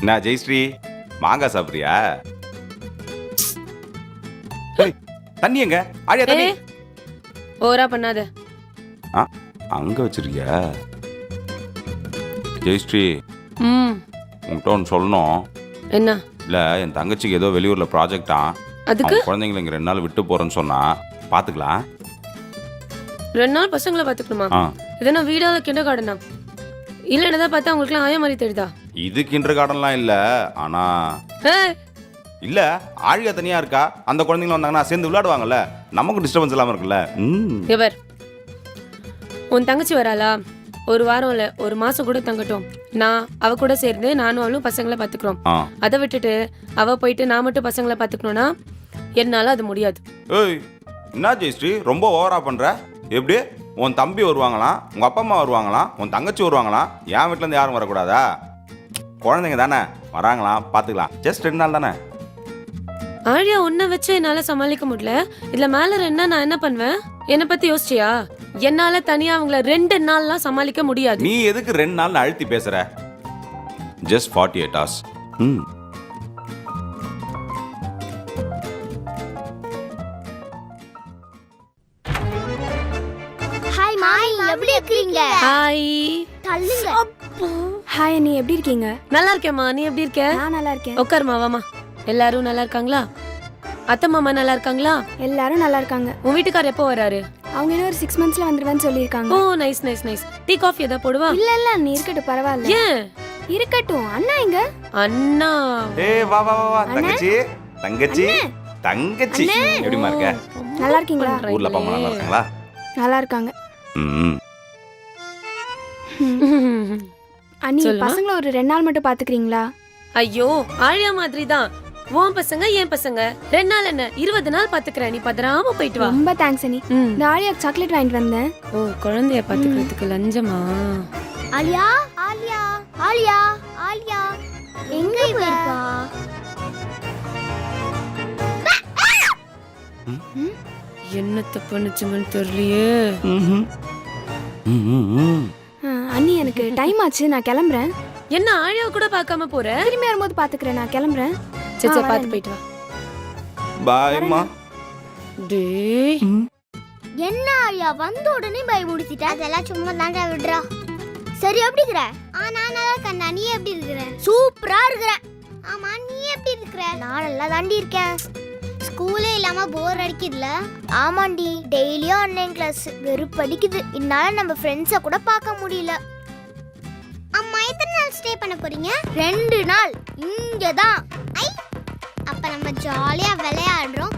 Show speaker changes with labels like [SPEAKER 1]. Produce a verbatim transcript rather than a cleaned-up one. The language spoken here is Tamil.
[SPEAKER 1] என்ன ஜெயஸ்ரீ மாங்காய் சாப்பிட்றியா? தண்ணி எங்க? ஆழியா தண்ணி.
[SPEAKER 2] ஓரா பண்ணாத.
[SPEAKER 1] ஆ அங்க வச்சிருக்கியா? ஜெயஸ்ரீ
[SPEAKER 2] ம்
[SPEAKER 1] உன்கிட்ட ஒன்று சொல்லணும்.
[SPEAKER 2] என்ன?
[SPEAKER 1] இல்லை என் தங்கச்சிக்கு ஏதோ வெளியூரில் ப்ராஜெக்டா,
[SPEAKER 2] அதுக்கு
[SPEAKER 1] குழந்தைங்களை இங்கே ரெண்டு நாள் விட்டு போகிறேன்னு சொன்னா பார்த்துக்கலாம்.
[SPEAKER 2] ரெண்டு நாள் பசங்களை பார்த்துக்கணுமா?
[SPEAKER 1] ஆ
[SPEAKER 2] இதனா வீடால கிண்டர் கார்டனா? இல்லை என்னதான் பார்த்தா அவங்களுக்குலாம் ஆய மாதிரி தெரியுதா?
[SPEAKER 1] இது கிண்டர் கார்டன்லாம் இல்லை. ஆனால் இல்லை ஆழியா தனியாக இருக்கா, அந்த குழந்தைங்களும் வந்தாங்கன்னா சேர்ந்து விளையாடுவாங்கல்ல, நமக்கு டிஸ்டர்பன்ஸ் இல்லாமல் இருக்குல்ல. ம்
[SPEAKER 2] இவர் உன் தங்கச்சி வராளா? ஒரு வாரம் இல்லை ஒரு மாதம் கூட தங்கட்டும். நான் அவ கூட சேர்ந்து நானும் அவளும் பசங்களை பார்த்துக்கிறோம்.
[SPEAKER 1] ஆ
[SPEAKER 2] அதை விட்டுட்டு அவ போயிட்டு நான் மட்டும் பசங்களை பார்த்துக்கணும்னா என்னால் அது முடியாது.
[SPEAKER 1] ஏய் என்ன ஜெயஸ்ரீ ரொம்ப ஓவரா பண்ணுற? எப்படி உன் தம்பி வருவாங்களாம், உங்கள் அப்பா அம்மா வருவாங்களாம், உன் தங்கச்சி வருவாங்களாம், என் வீட்டிலேருந்து யாரும் வரக்கூடாதா? குழந்தைங்க தானே வராங்களாம், பார்த்துக்கலாம். ஜஸ்ட் ரெண்டு நாள் தானே.
[SPEAKER 2] ஆழியா உன்னை வச்சு என்னால் சமாளிக்க முடியல. இதில் மேலே ரெண்டா நான் என்ன பண்ணுவேன்? என்னை பற்றி யோசிச்சியா? என்னால தனியா அவங்கள ரெண்டு நாள்லாம் சமாளிக்க முடியாது.
[SPEAKER 1] நீ எதுக்கு ரெண்டு நாள் அழுத்தி பேசுற? Just forty eight hours. ம்
[SPEAKER 3] ஹாய் மாய், எப்படி இருக்கீங்க?
[SPEAKER 2] ஹாய்.
[SPEAKER 3] தள்ளுங்க.
[SPEAKER 4] ஹாய் அண்ணி, எப்படி இருக்கீங்க?
[SPEAKER 2] நல்லா இருக்கேம்மா, நீ எப்படி இருக்க?
[SPEAKER 4] நான் நல்லா இருக்கேன்.
[SPEAKER 2] உட்காருமா, வாமா. எல்லாரும் நல்லா இருக்காங்களா? அத்தை மாமா நல்லா இருக்காங்களா?
[SPEAKER 4] எல்லாரும் நல்லா இருக்காங்க.
[SPEAKER 2] உன் வீட்டுக்காரர் எப்போ வராரு?
[SPEAKER 4] அவங்க இன்னும் ஒரு சிக்ஸ் மந்த்ஸ்ல வந்துருவேன்னு சொல்லியிருக்காங்க.
[SPEAKER 2] Oh nice nice nice. Tea coffee ஏதாவது போடுவா?
[SPEAKER 4] இல்ல இல்ல நீ இருக்கட்டும், பரவாயில்ல.
[SPEAKER 2] ஏன்
[SPEAKER 4] இருக்கட்டும். அண்ணா எங்க?
[SPEAKER 2] அண்ணா
[SPEAKER 1] ஏய் வா வா வா தங்கச்சி தங்கச்சி தங்கச்சி எப்படிமா இருக்க?
[SPEAKER 4] நல்லா இருக்கீங்களா?
[SPEAKER 1] ஊர்ல அப்பா அம்மா நல்லா இருக்காங்களா?
[SPEAKER 4] நல்லா இருக்காங்க.
[SPEAKER 1] ம்
[SPEAKER 4] அண்ணி பசங்களை ஒரு ரெண்டு நாள் மட்டும் பாத்துக்கிறீங்களா?
[SPEAKER 2] ஐயோ ஆழியா மாதிரி தான். உன் பசங்க என் பசங்க ரெண்டு நாள் என்ன இருபது நாள் பாத்துக்கிறேன். நீ பதறாம போயிட்டு வா.
[SPEAKER 4] ரொம்ப தேங்க்ஸ் அண்ணி. இந்த ஆலியா சாக்லேட் வாங்கிட்டு வந்தேன்.
[SPEAKER 2] ஓ குழந்தைய பாத்துக்கிறதுக்கு லஞ்சமா?
[SPEAKER 3] ஆலியா ஆலியா ஆலியா ஆலியா எங்க போயிருப்பா?
[SPEAKER 2] என்னத்த பண்ணுச்சுங்கன்னு தெரியலையே.
[SPEAKER 4] அண்ணி எனக்கு டைம் ஆச்சு, நான் கிளம்புறேன்.
[SPEAKER 2] என்ன ஆழியாவை கூட பார்க்காம போற?
[SPEAKER 4] திரும்பி வரும்போது பாத்துக்கிறேன், நான் கிளம்புறேன்.
[SPEAKER 2] சச்சா பாத்து போயிட்டு வா.
[SPEAKER 1] பாய்மா.
[SPEAKER 2] டேய்
[SPEAKER 3] என்ன ஆலியா வந்த உடனே பை முடிச்சிட்ட? அதெல்லாம் சும்மா தாண்டா விடுறா. சரி எப்படி இருக்கற? ஆ நான் நல்லா இருக்கேன். நீ எப்படி இருக்கற? சூப்பரா இருக்கற. ஆமா நீ எப்படி இருக்கற? நான் நல்லா தாண்டி இருக்கேன். ஸ்கூலே இல்லாம போர் அடிக்குதுல? ஆமாண்டி, டெய்லியும் ஆன்லைன் கிளாஸ் வெறுப்படிக்குது. இதனால நம்ம ஃப்ரெண்ட்ஸை கூட பார்க்க முடியல. அம்மா எத்தனை நாள் ஸ்டே பண்ண போறீங்க? ரெண்டு நாள் இங்க தான். ஐ அப்ப நம்ம ஜாலியா விளையாடுறோம்,